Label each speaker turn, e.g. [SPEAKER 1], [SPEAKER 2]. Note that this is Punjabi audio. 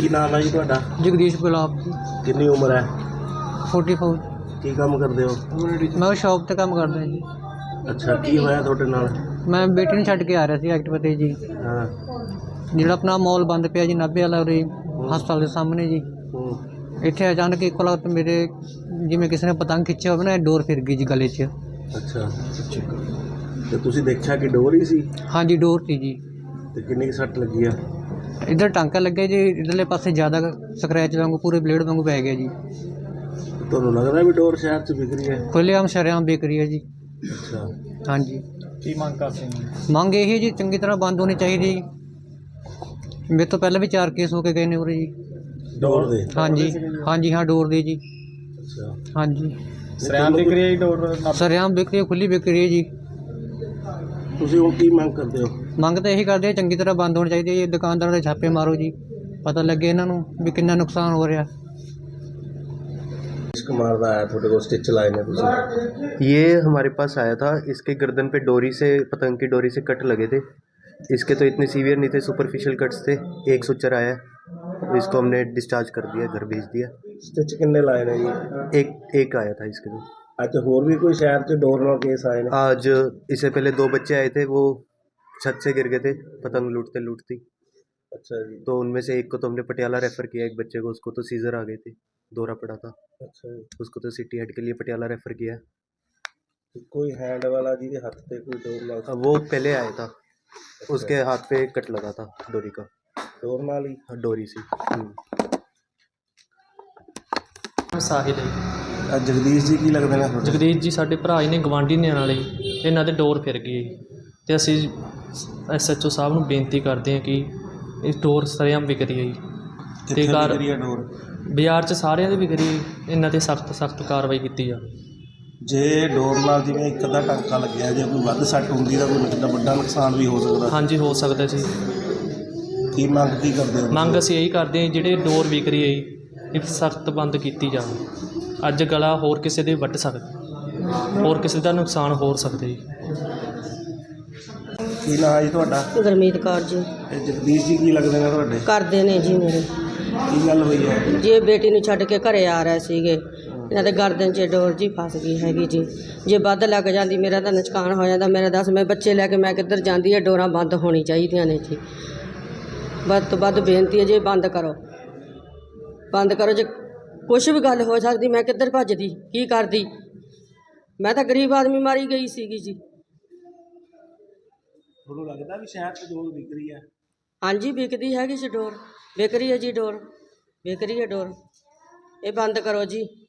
[SPEAKER 1] नाम है जी ਤੁਹਾਡਾ?
[SPEAKER 2] जगदीश गुलाब जी।
[SPEAKER 1] कितनी उम्र है?
[SPEAKER 2] 44।
[SPEAKER 1] की काम करते हो?
[SPEAKER 2] मैं शॉप ਤੇ ਕੰਮ ਕਰਦਾ ਜੀ।
[SPEAKER 1] अच्छा की होया ਤੁਹਾਡੇ ਨਾਲ?
[SPEAKER 2] ਮੈਂ ਬੇਟੀ ਨੂੰ ਛੱਡ ਕੇ ਆ ਰਿਹਾ ਸੀ ਐਕਟਿਵਾ ਤੇ ਜੀ।
[SPEAKER 1] हाँ।
[SPEAKER 2] ਜਿਹੜਾ ਆਪਣਾ ਮਾਲ ਬੰਦ ਪਿਆ ਜੀ ਨਾਭੇ ਵਾਲਾ ਉਰੇ ਹਸਪਤਾਲ ਦੇ ਸਾਹਮਣੇ ਜੀ। ਇੱਥੇ ਅਚਾਨਕ ਇੱਕੋ ਲਗਤ ਮੇਰੇ ਜਿਵੇਂ ਕਿਸੇ ਨੇ ਪਤੰਗ ਖਿੱਚਿਆ ਹੋਵੇ ਨਾ ਡੋਰ ਫਿਰ ਗਈ ਜੀ ਗਲੇ 'ਚ।
[SPEAKER 1] ਅੱਛਾ ਤੇ ਤੁਸੀਂ ਦੇਖਿਆ ਕਿ ਡੋਰ ਹੀ ਸੀ?
[SPEAKER 2] ਹਾਂਜੀ ਡੋਰ ਸੀ ਜੀ।
[SPEAKER 1] ਤੇ ਕਿੰਨੀ ਕੁ ਸੱਟ ਲੱਗੀ ਆ?
[SPEAKER 2] ਇੱਧਰ ਟਾਂਕਾ ਲੱਗਿਆ ਜੀ, ਇੱਧਰਲੇ ਪਾਸੇ ਜ਼ਿਆਦਾ ਸਕਰੈਚ ਵਾਂਗੂ ਪੂਰੇ ਬਲੇਡ ਵਾਂਗੂ ਪੈ ਗਿਆ ਜੀ।
[SPEAKER 1] ਤੁਹਾਨੂੰ ਲੱਗਦਾ ਵੀ ਡੋਰ ਸ਼ਹਿਰ 'ਚ ਵਿਕ ਰਹੀ ਹੈ?
[SPEAKER 2] ਖੁੱਲ੍ਹੇਆਮ ਸ਼ਰੇਆਮ ਵਿਕ ਰਹੀ ਹੈ ਜੀ।
[SPEAKER 1] ਅੱਛਾ
[SPEAKER 2] ਹਾਂਜੀ।
[SPEAKER 1] ਕੀ ਮੰਗ ਕਰਦੇ ਹੋ?
[SPEAKER 2] ਮੰਗ ਇਹ ਹੈ ਜੀ ਚੰਗੀ ਤਰ੍ਹਾਂ ਬੰਦ ਹੋਣੀ ਚਾਹੀਦੀ। ਮੇਰੇ ਤੋਂ ਪਹਿਲਾਂ ਵੀ 4 ਕੇਸ ਹੋ ਕੇ ਗਏ ਨੇ ਉਰੇ ਜੀ
[SPEAKER 1] ਡੋਰ ਦੇ?
[SPEAKER 2] ਹਾਂਜੀ ਹਾਂਜੀ ਹਾਂ ਡੋਰ ਦੇ ਜੀ।
[SPEAKER 1] ਅੱਛਾ
[SPEAKER 2] ਹਾਂਜੀ
[SPEAKER 1] ਸ਼ਰੇਆਮ ਵਿਕ ਰਹੀ ਹੈ ਡੋਰ?
[SPEAKER 2] ਸ਼ਰੇਆਮ ਵਿਕ ਰਹੀ ਹੈ, ਖੁੱਲ੍ਹੀ ਵਿਕ ਰਹੀ ਹੈ ਜੀ।
[SPEAKER 1] ਤੁਸੀਂ ਹੁਣ ਕੀ ਮੰਗ ਕਰਦੇ ਹੋ?
[SPEAKER 2] ਮੰਗ ਤਾਂ ਇਹੀ ਕਰਦੇ ਚੰਗੀ ਤਰ੍ਹਾਂ ਬੰਦ ਹੋਣੀ ਚਾਹੀਦੀ ਹੈ ਜੀ। ਦੁਕਾਨਦਾਰਾਂ ਦੇ ਛਾਪੇ ਮਾਰੋ ਜੀ, ਪਤਾ ਲੱਗੇ ਇਹਨਾਂ ਨੂੰ ਵੀ ਕਿੰਨਾ ਨੁਕਸਾਨ ਹੋ ਰਿਹਾ।
[SPEAKER 1] कुमार का आया थोड़े को स्टिच लाए ने तुझे?
[SPEAKER 3] ये हमारे पास आया था, इसके गर्दन पे डोरी से पतंग की डोरी से कट लगे थे। इसके तो इतने सीवियर नहीं थे, सुपरफिशियल कट्स थे। एक सुचर आया, इसको हमने डिस्चार्ज कर दिया, घर भेज दिया।
[SPEAKER 1] स्टिच कितने लाए ने जी?
[SPEAKER 3] एक आया था इसके तो।
[SPEAKER 1] अच्छा होर भी कोई शहर से डोर नाल केस आए ने?
[SPEAKER 3] आज इससे पहले 2 बच्चे आए थे, वो छत से गिर गए थे पतंग लूटते लूटती।
[SPEAKER 1] अच्छा जी।
[SPEAKER 3] तो उनमें से एक को तो हमने पटियाला रेफ़र किया, एक बच्चे को उसको तो सीजर आ गए थे, दौरा पड़ा था।
[SPEAKER 1] अच्छा जी।
[SPEAKER 3] उसको तो सिटी हेड के लिए पटियाला रेफ़र किया।
[SPEAKER 1] कोई हैंड वाला जी के हाथ पे कोई डोर नाल?
[SPEAKER 3] वो पहले आया था, उसके हाथ पे कट लगा था डोरी का।
[SPEAKER 1] डोर नाल ही?
[SPEAKER 3] डोरी सी।
[SPEAKER 4] ਸਾਹਿਲ
[SPEAKER 1] जगदीश जी की लगते हैं?
[SPEAKER 4] ਜਗਦੀਸ਼ ਜੀ ਸਾਡੇ ਭਰਾ ਹੀ ਨੇ, ਗਵਾਂਢੀ ਨੇ ਨਾਲੇ। ਇਹਨਾਂ ਦੇ ਡੋਰ ਫਿਰ ਗਈ ਅਤੇ ਅਸੀਂ SHO ਸਾਹਿਬ ਨੂੰ ਬੇਨਤੀ ਕਰਦੇ ਹਾਂ ਕਿ ਇਹ ਡੋਰ ਸਰੇਆਮ ਵਿਕ ਰਹੀ ਹੈ ਜੀ।
[SPEAKER 1] कितने
[SPEAKER 4] ਕਾਰ-
[SPEAKER 1] विक रही है डोर?
[SPEAKER 4] ਬਾਜ਼ਾਰ 'ਚ ਸਾਰਿਆਂ ਦੇ ਵਿਕ ਰਹੀ ਹੈ, ਇਹਨਾਂ 'ਤੇ ਸਖਤ ਕਾਰਵਾਈ ਕੀਤੀ ਜਾਵੇ।
[SPEAKER 1] ਜੇ ਡੋਰ ਨਾਲ ਜਿਵੇਂ ਇੱਕ ਅੱਧਾ ਟਾਂਕਾ ਲੱਗਿਆ, ਜੇ ਕੋਈ ਵੱਧ ਸੱਟ ਹੁੰਦੀ ਤਾਂ ਕੋਈ ਕਿੰਨਾ ਵੱਡਾ ਨੁਕਸਾਨ ਵੀ ਹੋ ਸਕਦਾ।
[SPEAKER 4] ਹਾਂਜੀ ਹੋ ਸਕਦਾ ਸੀ।
[SPEAKER 1] ਕੀ ਮੰਗ ਕੀ ਕਰਦੇ ਹੋ?
[SPEAKER 4] ਮੰਗ ਅਸੀਂ ਇਹੀ ਕਰਦੇ ਹਾਂ ਜਿਹੜੇ ਡੋਰ ਵਿਕ ਰਹੀ ਹੈ ਜੀ, ਇਹ ਸਖਤ ਬੰਦ ਕੀਤੀ ਜਾਵੇ। ਅੱਜ ਗਲਾ ਹੋਰ ਕਿਸੇ ਦੇ ਵੱਢ ਸਕਦਾ, ਹੋਰ ਕਿਸੇ ਦਾ ਨੁਕਸਾਨ ਹੋ ਸਕਦਾ ਜੀ।
[SPEAKER 1] ਕੀ ਨਾਂ ਹੈ ਜੀ ਤੁਹਾਡਾ?
[SPEAKER 5] ਗੁਰਮੀਤ ਕੌਰ ਜੀ।
[SPEAKER 1] ਇਹ ਜਗਦੀਸ਼ ਜੀ ਕੀ ਲੱਗਦੇ ਨੇ ਤੁਹਾਡੇ?
[SPEAKER 5] ਕਰਦੇ ਨੇ ਜੀ ਮੇਰੇ।
[SPEAKER 1] ਕੀ ਗੱਲ ਹੋਈ ਹੈ?
[SPEAKER 5] ਜੇ ਬੇਟੀ ਨੂੰ ਛੱਡ ਕੇ ਘਰੇ ਆ ਰਹੇ ਸੀਗੇ, ਇਹਨਾਂ ਦੇ ਗਰਦਨ 'ਚ ਡੋਰ ਜੀ ਫਸ ਗਈ ਹੈਗੀ ਜੀ। ਜੇ ਵੱਧ ਲੱਗ ਜਾਂਦੀ ਮੇਰਾ ਤਾਂ ਨੁਕਸਾਨ ਹੋ ਜਾਂਦਾ। ਮੇਰਾ ਦੱਸ ਮੈਂ ਬੱਚੇ ਲੈ ਕੇ ਮੈਂ ਕਿੱਧਰ ਜਾਂਦੀ ਹੈ? ਡੋਰਾਂ ਬੰਦ ਹੋਣੀ ਚਾਹੀਦੀਆਂ ਨੇ ਜੀ। ਵੱਧ ਤੋਂ ਵੱਧ ਬੇਨਤੀ ਹੈ ਜੀ, ਬੰਦ ਕਰੋ, ਬੰਦ ਕਰੋ। ਜੇ ਕੁਛ ਵੀ ਗੱਲ ਹੋ ਸਕਦੀ ਮੈਂ ਕਿੱਧਰ ਭੱਜਦੀ, ਕੀ ਕਰਦੀ? ਮੈਂ ਤਾਂ ਗਰੀਬ ਆਦਮੀ ਮਾਰੀ ਗਈ ਸੀਗੀ ਜੀ।
[SPEAKER 1] ਤੁਹਾਨੂੰ ਲੱਗਦਾ ਵੀ ਸ਼ਹਿਰ 'ਚ ਡੋਰ ਵਿਕ ਰਹੀ ਹੈ?
[SPEAKER 5] ਹਾਂਜੀ ਵਿਕਦੀ ਹੈਗੀ ਜੀ ਡੋਰ, ਵਿਕ ਰਹੀ ਹੈ ਜੀ ਡੋਰ, ਵਿਕ ਰਹੀ ਹੈ ਡੋਰ। ਇਹ ਬੰਦ ਕਰੋ ਜੀ।